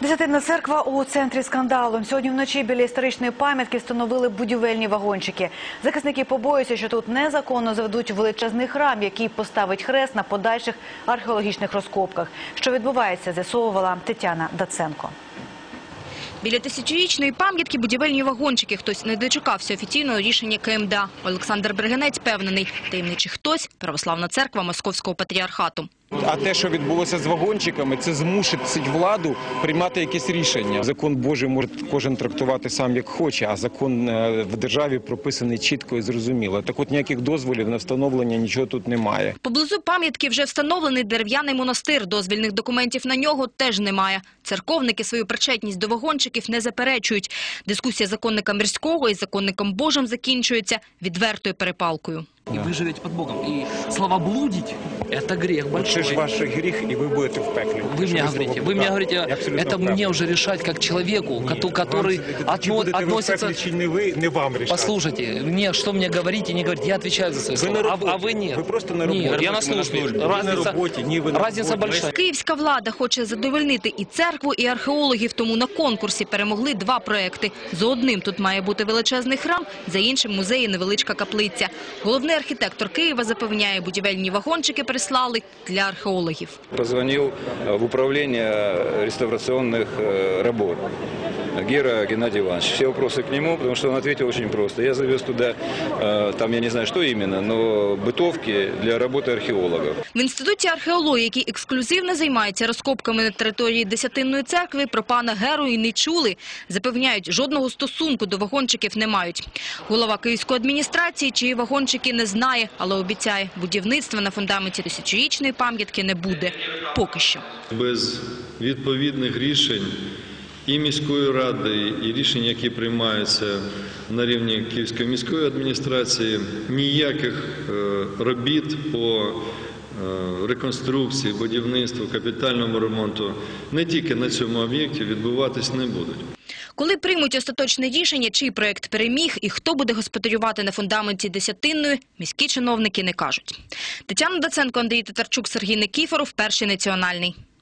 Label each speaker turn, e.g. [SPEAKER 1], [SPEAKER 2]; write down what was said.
[SPEAKER 1] Десятинна церква у центрі скандалу. Сьогодні вночі біля історичної пам'ятки встановили будівельні вагончики. Захисники побоюються, що тут незаконно заведуть величезний храм, який поставить хрест на подальших археологічних розкопках. Що відбувається, з'ясовувала Тетяна Даценко.
[SPEAKER 2] Біля тисячорічної пам'ятки будівельні вагончики. Хтось не дочекався офіційного рішення КМДА. Олександр Бригинець впевнений, таємничий хтось – православна церква Московського патріархату.
[SPEAKER 3] А те, що відбулося з вагончиками, це змусить владу приймати якісь рішення. Закон Божий може кожен трактувати сам як хоче, а закон в державі прописаний чітко і зрозуміло. Так от ніяких дозволів на встановлення нічого тут немає.
[SPEAKER 2] Поблизу пам'ятки вже встановлений дерев'яний монастир. Дозвільних документів на нього теж немає. Церковники свою причетність до вагончиків не заперечують. Дискусія законника Мирського із законником Божим закінчується відвертою перепалкою.
[SPEAKER 4] И вы живете под Богом. И словоблудить – это грех большой.
[SPEAKER 3] Це ж ваш гріх, і ви будете в пеклі.
[SPEAKER 4] Вы мне говорите, это мне уже решать как человеку, который относится…
[SPEAKER 3] Чи ви, не вам рішати.
[SPEAKER 4] Послушайте, мне что мне говорить и не говорить, я отвечаю за свои слова, а вы нет.
[SPEAKER 3] Ви просто на роботі.
[SPEAKER 4] Нет, я на службе. Разница большая.
[SPEAKER 2] Київська влада хоче задовольнити і церкву, і археологів, тому на конкурсі перемогли два проекти. За одним тут має бути величезний храм, за іншим – музей і невеличка каплиця. Головний архітектор Києва запевняє, будівельні вагончики прислали для археологів.
[SPEAKER 5] Позвонил в управление реставрационных работ Гера Геннадий Иванович. Все вопросы к нему, потому что он ответил очень просто. Я завез туда, там я не знаю, что именно, но бытовки для работы археологов.
[SPEAKER 2] В Інституті археології, який ексклюзивно займається розкопками на території Десятинної церкви, про пана Геру і не чули. Запевняють, жодного стосунку до вагончиків не мають. Голова Київської адміністрації, чиї вагончики, не знає, але обіцяє, будівництва на фундаменті тисячорічної пам'ятки не буде. Поки що.
[SPEAKER 6] Без відповідних рішень і міської ради, і рішень, які приймаються на рівні Київської міської адміністрації, ніяких робіт по реконструкції, будівництву, капітальному ремонту не тільки на цьому об'єкті відбуватись не будуть.
[SPEAKER 2] Коли приймуть остаточне рішення, чий проєкт переміг і хто буде господарювати на фундаменті Десятинної, міські чиновники не кажуть. Тетяна Даценко, Андрій Татарчук, Сергій Никіфоров, Перший національний.